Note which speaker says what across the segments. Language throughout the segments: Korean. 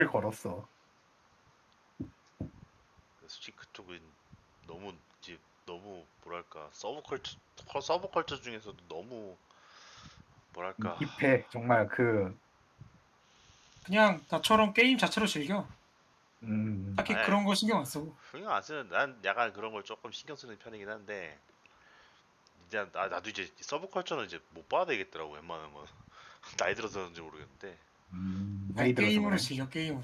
Speaker 1: 걸었어.
Speaker 2: 솔직히 그쪽은 너무 이제 너무 뭐랄까 서브컬처 중에서도 너무 뭐랄까
Speaker 1: 힙해. 정말 그,
Speaker 3: 그냥 나처럼 게임 자체로 즐겨. 딱히
Speaker 2: 아예
Speaker 3: 그런 거 신경 안 쓰고.
Speaker 2: 신경 안 쓰는 난 약간 그런 걸 조금 신경 쓰는 편이긴 한데 이제 나도 이제 서브컬처는 이제 못 봐야 되겠더라고 웬만한 건 나이 들어서 그런지 모르겠는데
Speaker 1: 나이
Speaker 3: 그냥
Speaker 1: 들어서
Speaker 3: 게임으로
Speaker 1: 그래.
Speaker 3: 즐겨 게임으로.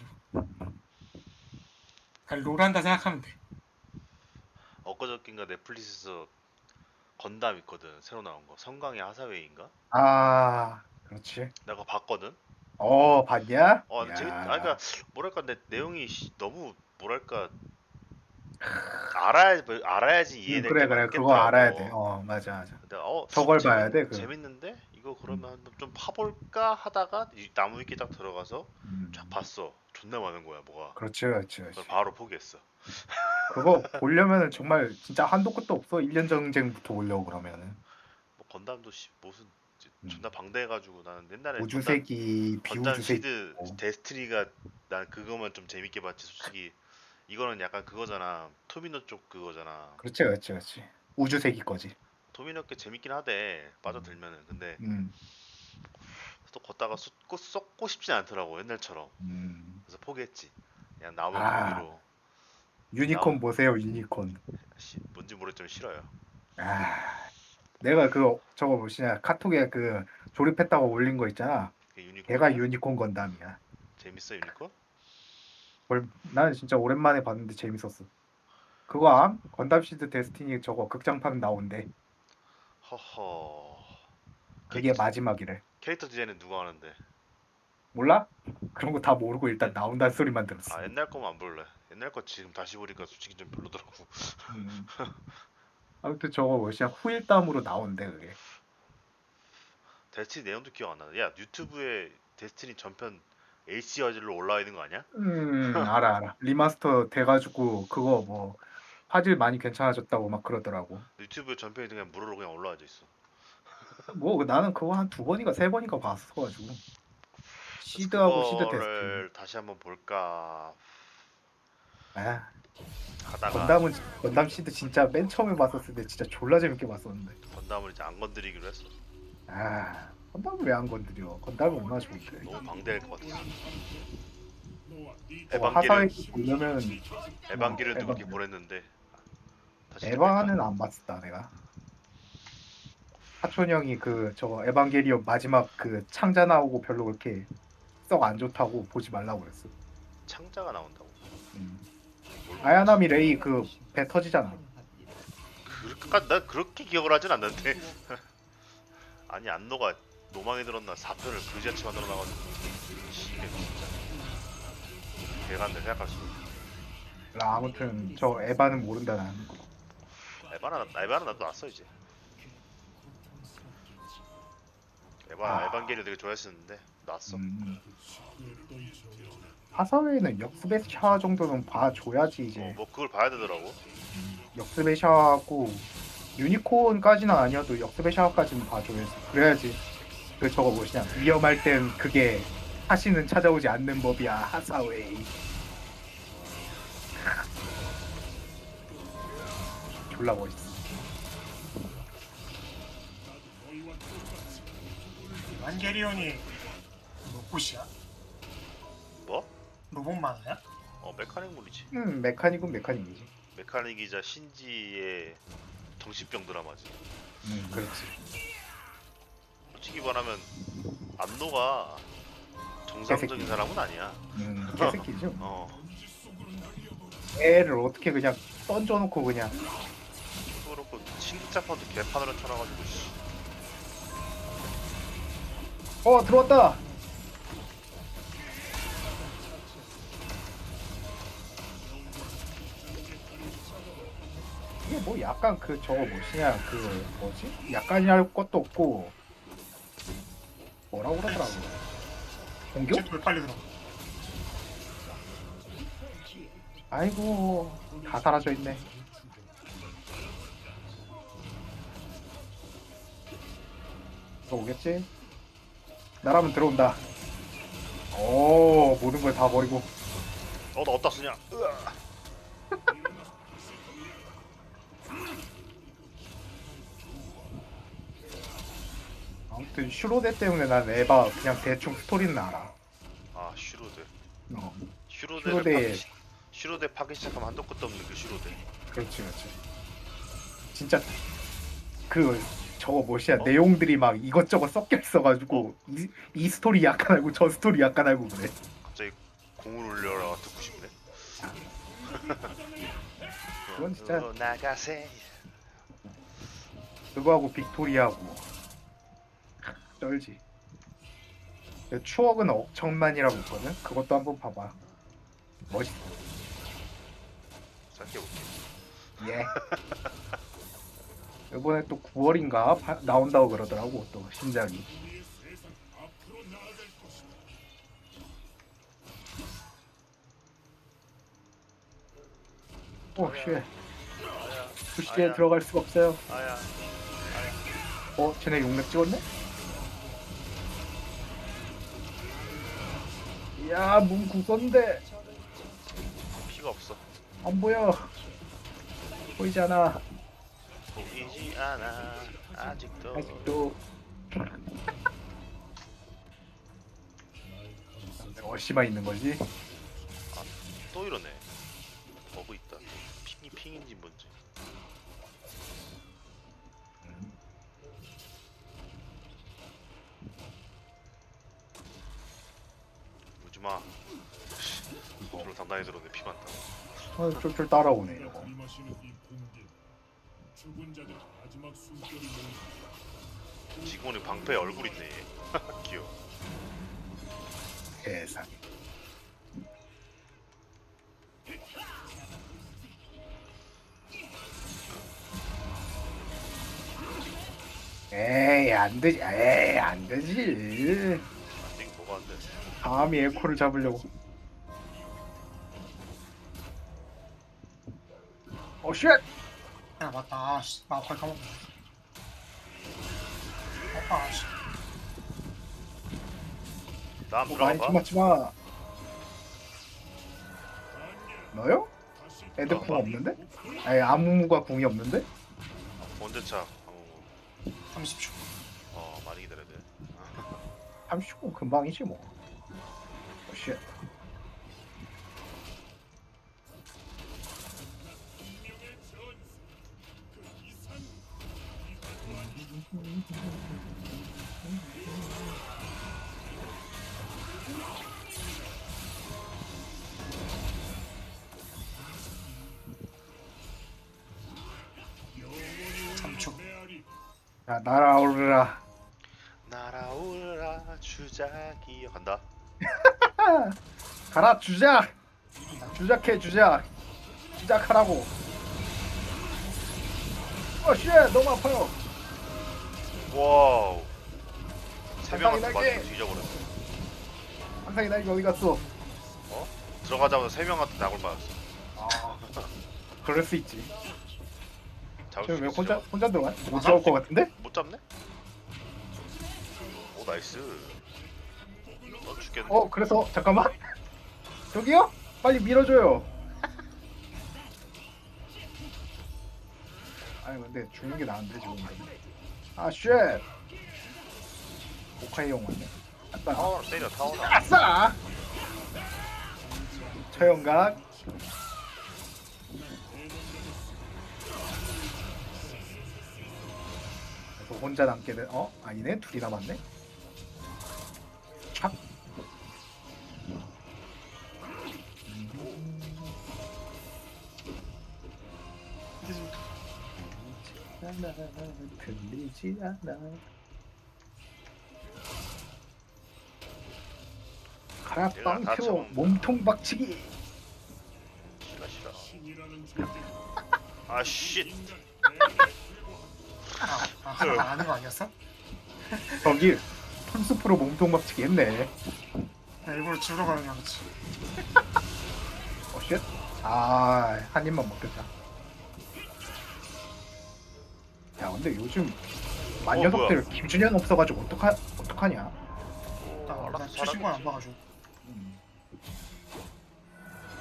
Speaker 3: 그냥 롤 한다 생각하면 돼.
Speaker 2: 엊그저께인가 넷플릭스에서 건담 있거든 새로 나온 거 성강의 하사웨이인가
Speaker 1: 아, 그렇지.
Speaker 2: 내가 봤거든
Speaker 1: 봤냐?
Speaker 2: 근데 아 그러니까
Speaker 1: 야,
Speaker 2: 뭐랄까 내 내용이 너무 뭐랄까 알아야지 이해될 게
Speaker 1: 그래, 그래. 그거 알아야 돼.
Speaker 2: 많겠더라고.
Speaker 1: 맞아, 맞아.
Speaker 2: 근데
Speaker 1: 저걸 봐야 돼,
Speaker 2: 재밌는데 이거 그러면
Speaker 1: 음,
Speaker 2: 한번 좀 파볼까 하다가 이 나무 위키 딱 들어가서 쫙
Speaker 1: 음.
Speaker 2: 봤어. 존나 많은 거야 뭐가.
Speaker 1: 그렇지, 그렇지,
Speaker 2: 그걸
Speaker 1: 그렇지.
Speaker 2: 바로 포기했어.
Speaker 1: 그거 보려면은 정말 진짜 한도 끝도 없어. 1년 전쟁부터 보려고 그러면은.
Speaker 2: 뭐 건담도 무슨
Speaker 1: 음.
Speaker 2: 존나 방대해가지고 나는 옛날에
Speaker 1: 우주세기,
Speaker 2: 건담
Speaker 1: 비우주세기.
Speaker 2: 시드 데스티니가 난 그거만 좀 재밌게 봤지 솔직히. 이거는 약간 그거잖아. 토미노 쪽 그거잖아.
Speaker 1: 그렇지, 그렇지, 그렇지. 우주세기 거지.
Speaker 2: 토미노 게 재밌긴 하대
Speaker 1: 음,
Speaker 2: 빠져들면은. 근데
Speaker 1: 음,
Speaker 2: 또 걷다가 쏟고 싶진 않더라고 옛날처럼.
Speaker 1: 음.
Speaker 2: 그래서 포기했지. 그냥 나오면
Speaker 1: 아,
Speaker 2: 보기로. 나오
Speaker 1: 유니콘 보세요, 유니콘.
Speaker 2: 뭔지 모르겠지만 싫어요.
Speaker 1: 아, 내가 저거 뭐시냐, 카톡에 그 조립했다고 올린 거 있잖아.
Speaker 2: 그게
Speaker 1: 걔가
Speaker 2: 유니콘이야?
Speaker 1: 유니콘 건담이야.
Speaker 2: 재밌어 유니콘?
Speaker 1: 나는 진짜 오랜만에 봤는데 재밌었어. 그거 건담 시드 데스티니 저거 극장판 나온대.
Speaker 2: 허허.
Speaker 1: 그게
Speaker 2: 캐릭터
Speaker 1: 마지막이래.
Speaker 2: 캐릭터 디자인은 누가 하는데?
Speaker 1: 몰라? 그런 거 다 모르고 일단 나온다는 소리만 들었어.
Speaker 2: 옛날 거만 안 볼래. 옛날 거 지금 다시 보니까 솔직히 좀 별로더라고.
Speaker 1: 음. 아무튼 저거 뭐시냐, 후일담으로 나온대 그게.
Speaker 2: 데스티니 내용도 기억 안 나네. 야 유튜브에 데스티니 전편 HD로 올라와 있는 거 아니야?
Speaker 1: 알아, 알아. 리마스터 돼가지고 그거 뭐 화질 많이 괜찮아졌다고 막 그러더라고.
Speaker 2: 유튜브 전편이 그냥 무료로 그냥 올라와져 있어.
Speaker 1: 뭐 나는 그거 한 두 번인가 세 번인가 봤어가지고.
Speaker 2: 그래서
Speaker 1: 시드하고 시드 데스티니.
Speaker 2: 그거를 다시 한번 볼까
Speaker 1: 아,
Speaker 2: 하다가
Speaker 1: 건담 시드 진짜 맨 처음에 봤었을 때 진짜 졸라 재밌게 봤었는데.
Speaker 2: 건담을 이제 안 건드리기로 했어.
Speaker 1: 건담을 왜 안 건드려? 건담이 얼마나 좋은데.
Speaker 2: 너무 방대할 것 같아서.
Speaker 1: 저거
Speaker 2: 에반게리온
Speaker 1: 하사회 보려면
Speaker 2: 에반게리온도 그렇게 보냈는데 다시 리메이크한.
Speaker 1: 에바는 안 봤었다 내가. 사촌 형이 저거 에반게리온 마지막 그 창자 나오고 별로 그렇게 썩 안 좋다고 보지 말라고 그랬어.
Speaker 2: 창자가 나온다고.
Speaker 1: 음.
Speaker 2: 뭘 모르지?
Speaker 1: 아야나미 레이 그 배 터지잖아.
Speaker 2: 난 그렇게 기억을 하진 않는데. 아니 안노가 노망이 들었나 4편을 그지같이 만들어 놔가지고 이게 진짜 개간데 생각할 수 있어.
Speaker 1: 아무튼 저 에바는 모른다 나는.
Speaker 2: 에바는 나도 났어 이제.
Speaker 1: 아,
Speaker 2: 에반게리온 되게 좋아했었는데 났어.
Speaker 1: 음. 하사회는 역습의 샤 정도는 봐줘야지 이제.
Speaker 2: 뭐 그걸 봐야 되더라고.
Speaker 1: 역습의 샤하고 유니콘까지는 아니어도 역습의 샤워까지는 봐줘야지. 그래야지 그 저거 뭐시냐, 위험할 땐 그게 다시는 찾아오지 않는 법이야 하사웨이. 졸라 멋있어.
Speaker 3: 완게리온이 로봇이야?
Speaker 2: 뭐?
Speaker 3: 로봇 만화야?
Speaker 2: 메카닉 물이지.
Speaker 1: 메카닉은 메카닉이지.
Speaker 2: 메카닉이자 신지의 정신병 드라마지.
Speaker 1: 그렇지.
Speaker 2: 솔직히 말하면 안노가 정상적인
Speaker 1: 개새끼.
Speaker 2: 사람은 아니야.
Speaker 1: 개새끼죠.
Speaker 2: 어.
Speaker 1: 애를 어떻게 그냥 던져놓고 그냥.
Speaker 2: 그렇고 신기자판도 개판으로 쳐놔가지고 씨.
Speaker 1: 들어왔다. 이게 뭐 약간 저거 뭐시냐, 뭐지? 약간이랄 것도 없고 뭐라고 그러더라고. 공격?
Speaker 3: 쟤도 왜 빨리 들어?
Speaker 1: 아이고, 다 사라져 있네. 들어오겠지? 나라면 들어온다. 오 모든 걸 다 버리고.
Speaker 2: 나 어디다 쓰냐? 으아.
Speaker 1: 아무튼 슈로데 때문에 난 에바 그냥 대충 스토리는 알아.
Speaker 2: 아 슈로데.
Speaker 1: 어,
Speaker 2: 슈로데를
Speaker 1: 슈로데.
Speaker 2: 슈로데 파기 시작하면 한도 끝도 없는 그 슈로데.
Speaker 1: 그렇지 그렇지. 진짜 그 저거 뭐시야
Speaker 2: 어?
Speaker 1: 내용들이 막 이것저것 섞여 있어가지고 이 스토리 약간 알고 저 스토리 약간 알고 그래.
Speaker 2: 갑자기 공을 울려라 듣고 싶네.
Speaker 1: 그건 진짜
Speaker 2: 나가세.
Speaker 1: 그거하고 빅토리아하고 쩔지. 그 추억은 억천만이라고 있거든. 그것도 한번 봐봐. 멋있어.
Speaker 2: 생각해볼게.
Speaker 1: 예. 이번에 또 9월인가 나온다고 그러더라고 또 신작이. 오 쉣. 부시에
Speaker 2: 아야.
Speaker 1: 들어갈 수가 없어요.
Speaker 2: 아야.
Speaker 1: 쟤네 용맥 찍었네? 이야 문 굳었는데
Speaker 2: 피가 없어.
Speaker 1: 안 보여. 보이지 않아.
Speaker 2: 보이지 않아. 아직도.
Speaker 1: 아직도. 어시마 있는 거지?
Speaker 2: 또 이러네. 버그 있다. 핑인지 뭔지. 무지마. 저로 단단히 들었네. 피 많다.
Speaker 1: 쫄쫄 따라오네 이거.
Speaker 2: 지금은 방패에 얼굴 있네. 귀여워.
Speaker 1: 세상. 에이 안 되지. 에이 안 되지.
Speaker 2: 안 되긴 뭐가 안 돼.
Speaker 1: 감히 에코를 잡으려고. 쉣!
Speaker 3: 야 맞다. 아씨 나 아까 까먹었네. 아씨.
Speaker 2: 나안
Speaker 1: 많이
Speaker 2: 들어가봐.
Speaker 1: 맞지마. 너요? 애들 궁
Speaker 2: 나.
Speaker 1: 없는데? 아니 아무무가 궁이 없는데?
Speaker 2: 언제 차?
Speaker 3: 30초.
Speaker 2: 많이 기다려야 돼.
Speaker 1: 30분 금방이지 뭐. 쉣. 자 날아오르라.
Speaker 2: 날아올라 주작이여 간다.
Speaker 1: 가라 주작. 주작해 주작. 주작하라고. 쉣 너무 아파요.
Speaker 2: 와우. 세 명한테
Speaker 1: 날개,
Speaker 2: 맞고
Speaker 1: 날개.
Speaker 2: 뒤져버렸어.
Speaker 1: 항상이 날개 어디 갔어?
Speaker 2: 들어가자마자 세 명한테 낙을 맞았어.
Speaker 1: 아 그럴 수 있지.
Speaker 2: 잡을
Speaker 1: 지금
Speaker 2: 수
Speaker 1: 왜
Speaker 2: 있어.
Speaker 1: 혼자 들어가? 못 잡을 것 같은데?
Speaker 2: 못 잡네? 오 나이스. 넌 죽겠네.
Speaker 1: 그래서 잠깐만. 저기요? 빨리 밀어줘요. 아니 근데 죽는 게 나은데 지금. 아 쉣. 오카이 형 왔네. 아싸.
Speaker 2: 타워 때려 타워.
Speaker 1: 아싸. 처형각. 그래서 혼자 남게 된. 아니네 둘이 남았네. 착. 들리지 않아. 가라
Speaker 2: 얘가 다
Speaker 1: 빵표
Speaker 2: 잡는다.
Speaker 1: 몸통 박치기.
Speaker 2: 싫어. 아 쉣.
Speaker 3: 하나 안 하는 거 아니었어?
Speaker 1: 저기 풀스프로 몸통 박치기 했네.
Speaker 3: 나 일부러 집으로 가는 줄 알았지.
Speaker 1: 쉣. 한 입만 먹겠다. 야 근데 요즘 만녀석들 김준현 없어가지고 어떡하냐.
Speaker 3: 나
Speaker 2: 알았어
Speaker 3: 최신권 안
Speaker 2: 잘하겠지.
Speaker 3: 봐가지고.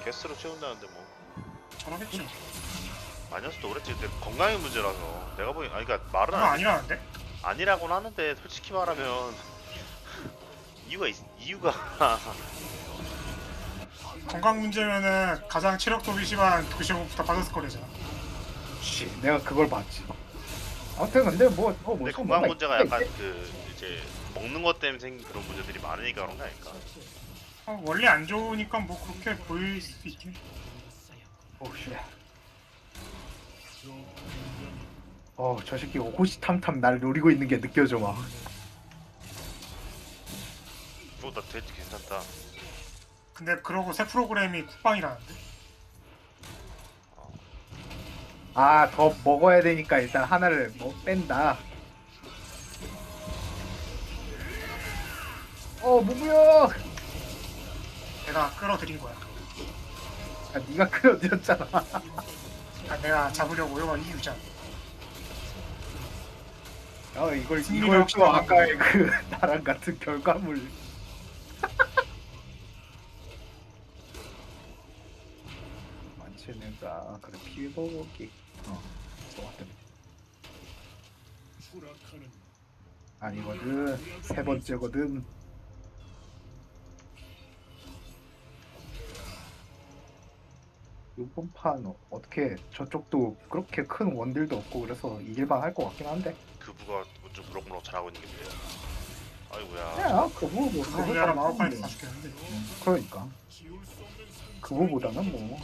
Speaker 2: 게스트로 채운다는데 뭐
Speaker 3: 저러겠죠.
Speaker 2: 아니었어도 그랬지. 근데 건강의 문제라서 내가 보기 아니 그러니까 말은
Speaker 3: 그거 아니라는데?
Speaker 2: 아니라고는 하는데 솔직히 말하면 이유가
Speaker 3: 건강 문제면은 가장 체력 도비 심한 도시오부터 빠졌을 거래잖아.
Speaker 1: 씨, 내가 그걸 봤지. 아무튼 근데
Speaker 2: 근데 건강 문제가 약간 그 이제 먹는 것 때문에 생긴 그런 문제들이 많으니까 그런 거 아닐까?
Speaker 3: 원래 안 좋으니까 뭐 그렇게 보일 수도 있긴.
Speaker 1: 오씨. 저 새끼 호시탐탐 날 노리고 있는 게 느껴져 막.
Speaker 2: 나 돼지 괜찮다.
Speaker 3: 근데 그러고 새 프로그램이 쿡방이라는데?
Speaker 1: 아, 더 먹어야 되니까 일단 하나를 뺀다. 무무야.
Speaker 3: 내가 끌어들인 거야.
Speaker 1: 아, 네가 끌어들였잖아.
Speaker 3: 아, 내가 잡으려고 이거 이유잖아.
Speaker 1: 이거였죠. 아까의 그 나랑 같은 결과물. 많지는가 그래 피해보기. 좋았다. 아니거든. 세 번째거든. 이번 판 어떻게 저쪽도 그렇게 큰 원딜도 없고 그래서 이길만 할 것 같긴 한데.
Speaker 2: 그부가 좀 무럭무럭 잘하고 있는 게 문제야. 아이고야.
Speaker 1: 야 그거
Speaker 3: 그거 우리나라 마법판에서 다 죽겠는데.
Speaker 1: 그러니까 그거보다는 뭐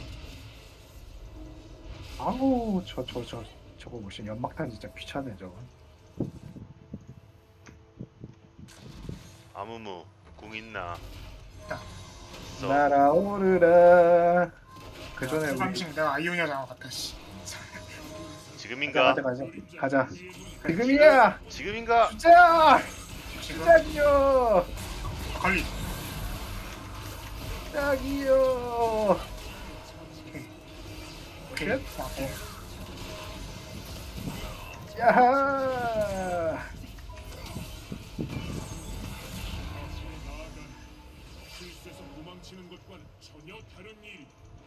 Speaker 1: 아우 저거 무슨 연막탄 진짜 귀찮네 저거.
Speaker 2: 아무무 궁 있나?
Speaker 3: 야.
Speaker 2: 있어.
Speaker 1: 날아오르라. 그 전에 우리
Speaker 3: 방식 내가 아이오니아 장어 같다 씨.
Speaker 2: 지금인가?
Speaker 1: 가자. 지금이야.
Speaker 2: 지금인가?
Speaker 1: 주자.
Speaker 3: 지금
Speaker 1: 주작이요.
Speaker 3: 걸리.
Speaker 1: 주작이요.
Speaker 3: 오케이.
Speaker 1: 끝?
Speaker 3: 오케이.
Speaker 1: 야하.
Speaker 4: 실수에서 도망치는 것과는 전혀 다른 일이다.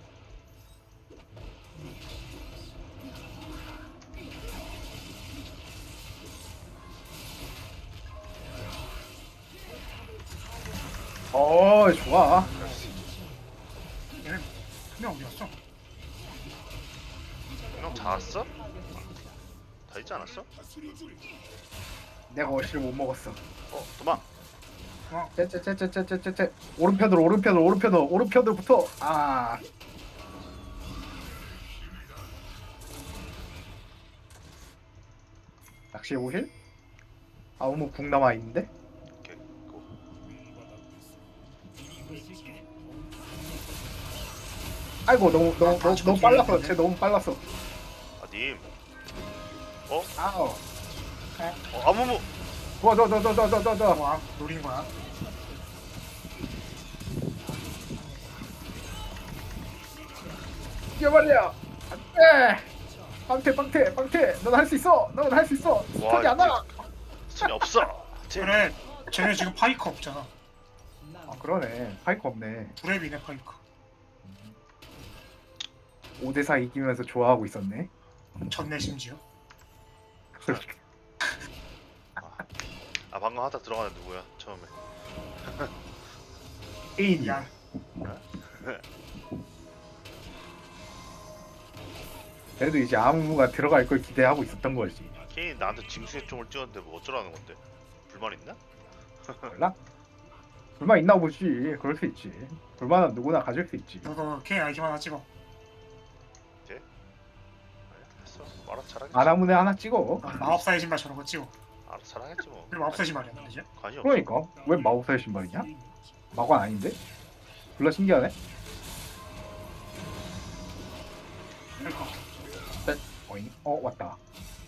Speaker 1: 좋아.
Speaker 3: 얘는 그냥 어디였어?
Speaker 2: 형 잡았어? 다 있지 않았어?
Speaker 1: 내가 어시를 못 먹었어.
Speaker 2: 도망.
Speaker 1: 째째째째째째째. 오른편으로 아. 낚시해 보실? 아무 궁 남아 있는데?
Speaker 2: 오케이. 고.
Speaker 1: 아이고 너무 빨랐어. 쟤 너무 빨랐어.
Speaker 2: 아 님.
Speaker 1: 아우.
Speaker 2: 아무무.
Speaker 1: 너.
Speaker 3: 뭐 노린 거야?
Speaker 1: 뛰어버려. 안돼. 빵태. 넌 할 수 있어. 스턴이 안 와.
Speaker 2: 스턴이 없어.
Speaker 3: 그래. 쟤네 지금 파이커 없잖아.
Speaker 1: 아 그러네. 파이크 없네.
Speaker 3: 브랩이네 파이커.
Speaker 1: 5대4 이기면서 좋아하고 있었네.
Speaker 3: 졌네 심지어.
Speaker 2: 아 방금 하다 들어가는 누구야? 처음에.
Speaker 1: 에인이.
Speaker 3: 야.
Speaker 1: 그래도 이제 아무무가 들어갈 걸 기대하고 있었던 거지.
Speaker 2: 케인이 나한테 징수의 총을 찍었는데 뭐 어쩌라는 건데? 불만 있나?
Speaker 1: 몰라? 불만 있나 보지. 그럴 수 있지. 불만은 누구나 가질 수 있지.
Speaker 3: 너도 K 아이템 하나 찍어.
Speaker 2: 아니야 됐어. 알아서 잘하겠지.
Speaker 1: 아나무네 하나 찍어.
Speaker 3: 마법사의 신발 저런 거 찍어.
Speaker 2: 알아서 잘하겠지 뭐.
Speaker 3: 그리고 마법사의 신발이야 그지?
Speaker 2: 관이 없어.
Speaker 1: 그러니까 왜 마법사의 신발이냐? 마관 아닌데? 졸라 신기하네.
Speaker 3: 그러니까.
Speaker 1: 어잉? 왔다.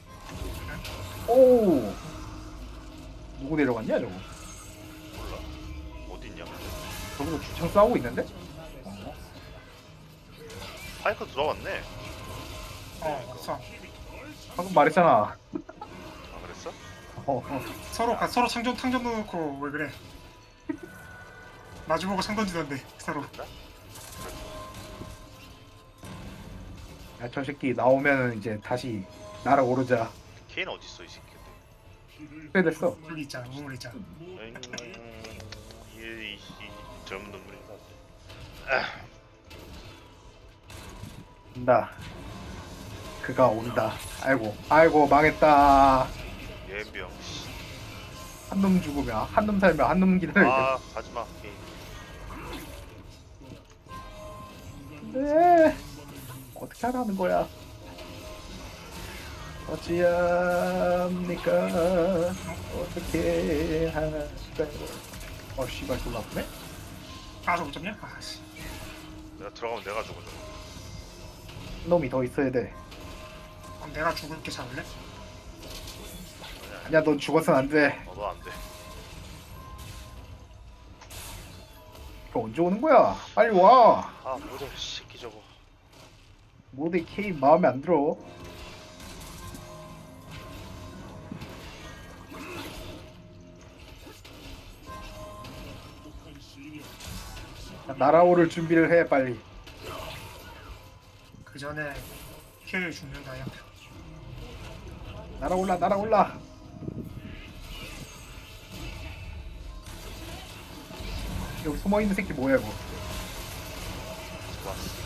Speaker 1: 오. 누구 내려갔냐 저거?
Speaker 2: 몰라. 어디 있냐?
Speaker 1: 저거 주창 싸우고 있는데?
Speaker 2: 파이크 들어왔네.
Speaker 3: 왔어.
Speaker 1: 방금 말했잖아.
Speaker 2: 아 그랬어?
Speaker 3: 서로 상점 넣어놓고 왜 그래? 마주보고 창 던지던데 서로.
Speaker 1: 야, 저 새끼 나오면은 이제 다시 날아오르자.
Speaker 2: 케인 어디 있어 이 새끼.
Speaker 1: 그래 됐어.
Speaker 3: 우물 있잖아, 우물 있잖아.
Speaker 2: 이 젊은 놈들이
Speaker 1: 온다. 그가 온다. 아이고, 아이고 망했다.
Speaker 2: 예병.
Speaker 1: 한 놈 죽으면 한 놈 살면 한 놈 기다려야
Speaker 2: 아 가지마. 케인.
Speaker 1: 돼. 네. 어떻게 하라는 거야? 어찌합니까? 어떻게 할까요? 씨발 졸라 아프네?
Speaker 3: 아, 저거 점냐? 아씨.
Speaker 2: 내가 들어가면 내가 죽어 저거.
Speaker 1: 한 놈이 더 있어야 돼.
Speaker 3: 그럼 내가 죽을게 잡을래?
Speaker 1: 아니야, 넌 죽어선 안 돼.
Speaker 2: 너도 안 돼.
Speaker 1: 너 언제 오는 거야? 빨리 와.
Speaker 2: 아 모델 새끼 저거.
Speaker 1: 모두 K 마음에 안 들어. 날아오를 준비를 해 빨리.
Speaker 3: 그 전에 힐 죽는다, 야.
Speaker 1: 날아올라 날아올라. 여기 숨어있는 새끼 뭐야 이거.
Speaker 2: 좋았어.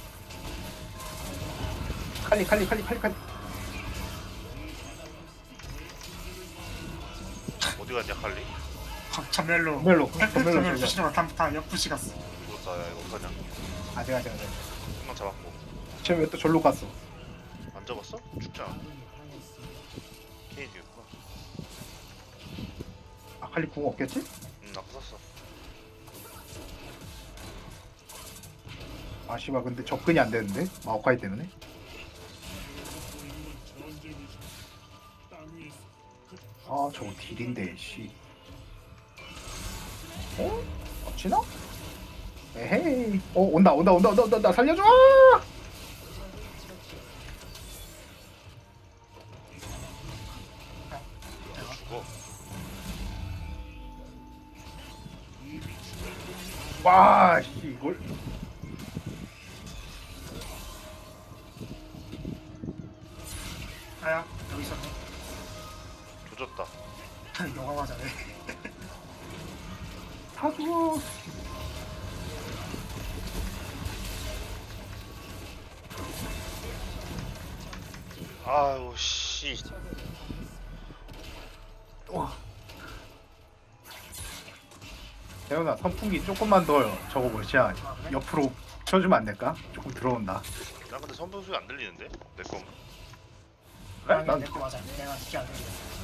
Speaker 1: 칼리.
Speaker 2: 어디 갔냐 칼리?
Speaker 3: 전멸로.
Speaker 1: 전멸로
Speaker 3: 전멸로
Speaker 1: 돌려.
Speaker 3: 부시다가 다 옆부시 갔어.
Speaker 2: 죽었다. 야 이거 어떡하냐?
Speaker 1: 아직
Speaker 2: 한명 잡았고.
Speaker 1: 쟤 왜 또 절로 갔어?
Speaker 2: 안 잡았어? 죽자. 케인이었구나.
Speaker 1: 아 칼리 궁 없겠지?
Speaker 2: 나 부쉈어.
Speaker 1: 아 씨발 근데 접근이 안 되는데 마오카이 때문에. 아 저거 딜인데 씨. 어? 어찌나? 에헤이. 온다 살려줘.
Speaker 2: 죽어.
Speaker 1: 와 씨, 이걸.
Speaker 3: 아야, 여기 있었네.
Speaker 2: 조졌다.
Speaker 3: 너가 맞아네.
Speaker 1: 다 죽어.
Speaker 2: 아유 씨.
Speaker 1: 대현아 선풍기 조금만 더 저거 뭐지야 옆으로 쳐주면 안 될까? 조금 들어온다.
Speaker 2: 나 근데 선풍 소리 안 들리는데? 내 건가?
Speaker 1: 그래? 난
Speaker 3: 내거 맞아. 내가 듣기 안 들려.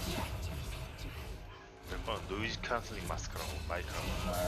Speaker 2: 내 거는 노이즈 캔슬링 마스크라고 마이크라고.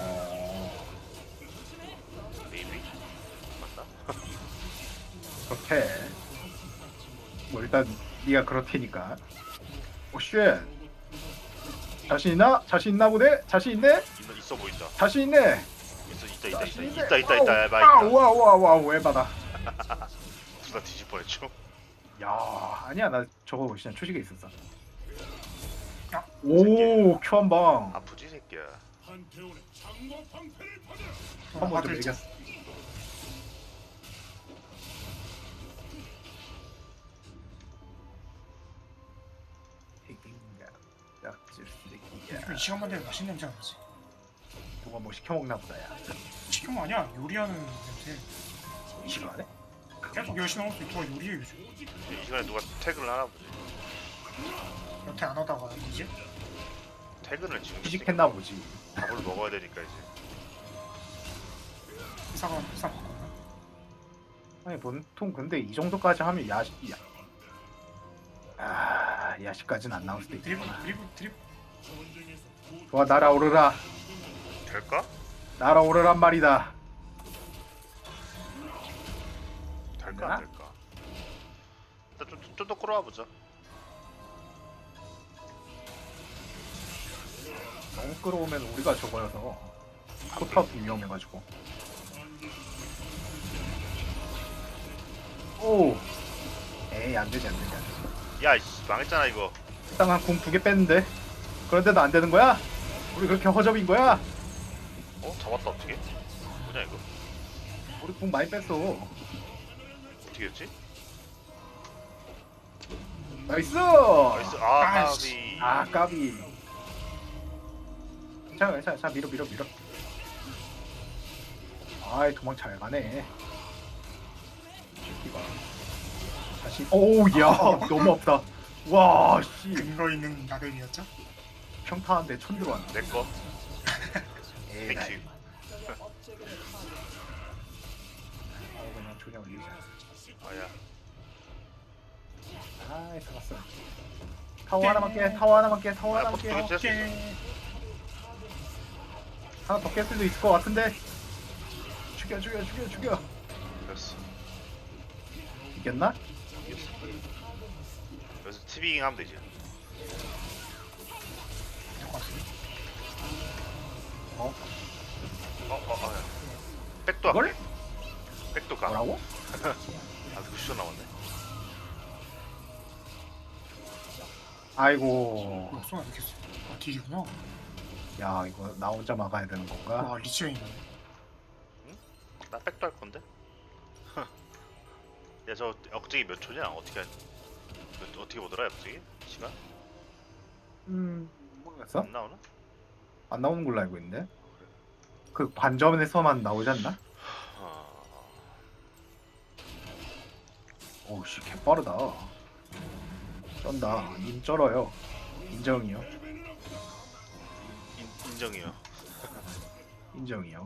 Speaker 2: 베이비? 맞나?
Speaker 1: 그렇게. 뭐 일단 네가 그렇테니까. 오 쉣. 자신 있나? 자신 있나 보네? 자신 있네?
Speaker 2: 있어 보인다.
Speaker 1: 자신 있네.
Speaker 2: 있다.
Speaker 1: 자신 있네.
Speaker 2: 야, 마
Speaker 1: 아,
Speaker 2: 있다.
Speaker 1: 우와 왜 받아?
Speaker 2: 둘 다 뒤질 뻔했죠.
Speaker 1: 야 아니야 나 저거 그냥 초식에 있었어.
Speaker 3: 야,
Speaker 1: 오 큐 한 방.
Speaker 2: 아프지 새끼야.
Speaker 4: 한태원의 장과 방패를 받아.
Speaker 1: 한 번 좀 이겼어.
Speaker 3: 이 시간만 되면 맛있는 냄새 나지.
Speaker 1: 누가 뭐 시켜 먹나 보다 야.
Speaker 3: 지금 아니야, 요리하는 냄새.
Speaker 1: 이 시간에?
Speaker 3: 계속 열심히 하고 있어. 누가 요리해 요즘.
Speaker 2: 이 시간에 누가 퇴근을 하나 보지.
Speaker 3: 여태 안 하다가 이제
Speaker 2: 퇴근을 지금
Speaker 1: 취직했나 보지.
Speaker 2: 밥을 먹어야 되니까 이제.
Speaker 3: 회사가 바꿨나?
Speaker 1: 아니 보통 근데 이 정도까지 하면 야식이야. 아 야식까지는 안 나올 수도
Speaker 3: 드리블
Speaker 1: 있구나.
Speaker 3: 드리블.
Speaker 1: 좋아 날아오르라.
Speaker 2: 될까?
Speaker 1: 날아오르란 말이다.
Speaker 2: 될까
Speaker 1: 되나?
Speaker 2: 안 될까? 일단 좀 더 끌어와 보자.
Speaker 1: 너무 끌어오면 우리가 저거여서 포탑이 위험해가지고. 오. 에이 안되지.
Speaker 2: 야, 씨, 망했잖아 이거.
Speaker 1: 일단 한궁 2개 뺐는데. 그런데도 안 되는 거야? 우리 그렇게 허접인 거야?
Speaker 2: 어? 잡았다 어떻게? 뭐냐 이거?
Speaker 1: 우리 궁 많이 뺐어.
Speaker 2: 어떻게 했지?
Speaker 1: 나이스.
Speaker 2: 나이스. 아
Speaker 3: 아이씨.
Speaker 2: 까비.
Speaker 1: 아 까비. 괜찮아. 자 밀어. 아이 도망 잘 가네. 새끼가. 다시. 오야 너무 없다. 와 씨.
Speaker 3: 근거 있는 나댐이었죠?
Speaker 1: 평타한데 천 들어왔네.
Speaker 2: 내꺼.
Speaker 1: 에이,
Speaker 2: 땡큐.
Speaker 1: 그냥 조냥 올리자.
Speaker 2: 아야.
Speaker 1: 아이 잡았어. 타워 하나만 깨. 타워 하나만 깨.
Speaker 2: 포트 깼어.
Speaker 1: 하나 더 깰 수도 있을 것 같은데. 죽여.
Speaker 2: 됐어.
Speaker 1: 이겼나?
Speaker 2: 이겼어. 그래서 티빙 하면 되지.
Speaker 1: 어?
Speaker 2: 야. 백도
Speaker 1: 이걸?
Speaker 2: 할게. 백도 가.
Speaker 1: 뭐라고?
Speaker 2: 아, 90초 남았네.
Speaker 1: 아이고.
Speaker 3: 뭐야 쏘나 이렇게 쏘. 아 딜이구나.
Speaker 1: 야 이거 나 혼자 막아야 되는 건가?
Speaker 3: 와 리치가 있네.
Speaker 2: 나 백도 할 건데. 야, 저 억제기 몇 초냐? 어떻게 보더라, 억제기? 시간?
Speaker 1: 모르겠어?
Speaker 2: 안 나오나?
Speaker 1: 안 나오는 걸로 알고 있는데. 그 관점에서만 나오지 않나? 오우씨 개빠르다. 쩐다. 인 쩔어요. 인정이요.
Speaker 2: 인정이요.
Speaker 1: 인정이요.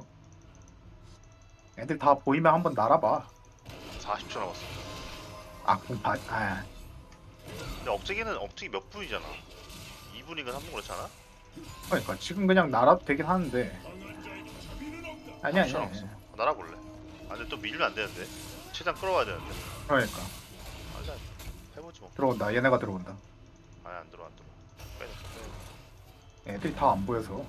Speaker 1: 애들 다 보이면 한번 날아봐.
Speaker 2: 40초 남았어.
Speaker 1: 공파. 아
Speaker 2: 근데 억제기 몇 분이잖아. 2분인가 3분 그렇잖아?
Speaker 1: 그러니까 지금 그냥 날아도 되긴 하는데. 아니야.
Speaker 2: 날아볼래. 아, 근데 또 밀면 안 되는데. 최대한 끌어와야 되는데.
Speaker 1: 그러니까
Speaker 2: 맞아. 해보지 뭐.
Speaker 1: 들어온다. 얘네가 들어온다.
Speaker 2: 아니, 안 들어. 빼.
Speaker 1: 애들이 다 안 보여서.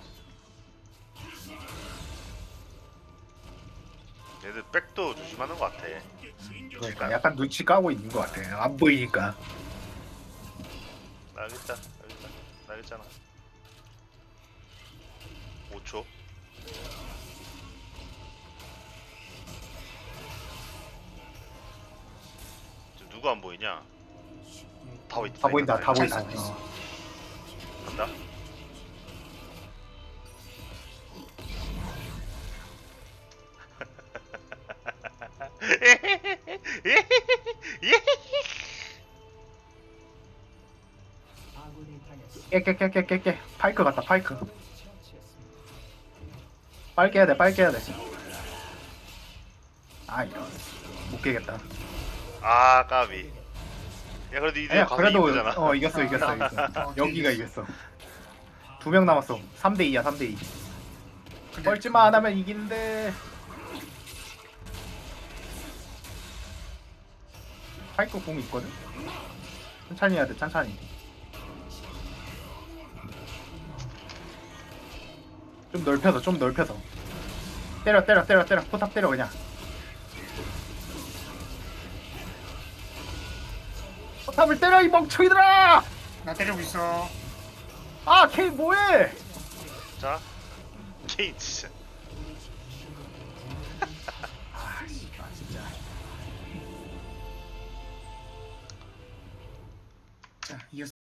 Speaker 2: 얘들 백도 조심하는 것 같아.
Speaker 1: 그러니까 약간 눈치 까고 있는 것 같아. 안 보이니까.
Speaker 2: 나 여기 있잖아. 5초. 지금 누구 안 보이냐?
Speaker 1: 다 보인다. 다 보인다.
Speaker 3: 잘 써.
Speaker 2: 간다.
Speaker 1: 깨. 파이크 같다. 파이크. 빨리 깨야 돼. 아 이런. 못 깨겠다.
Speaker 2: 아 까비. 야 그래도 이제
Speaker 1: 아니야
Speaker 2: 가서
Speaker 1: 그래도
Speaker 2: 이기잖아.
Speaker 1: 이겼어.
Speaker 3: 어,
Speaker 1: 여기가 이겼어. 2명 남았어. 3대2야 3대2.
Speaker 3: 근데
Speaker 1: 뻘짓만 안 하면 이기는데. 파이크 공이 있거든. 천천히 해야 돼. 천천히. 좀 넓혀서. 때려. 포탑 때려 그냥. 포탑을 때려 이 멍청이들아!
Speaker 3: 나 때리고 있어.
Speaker 1: 아 케이 뭐해?
Speaker 2: 자, 케인 진짜.
Speaker 1: 아 씨발 진짜.
Speaker 3: 자 이겼어.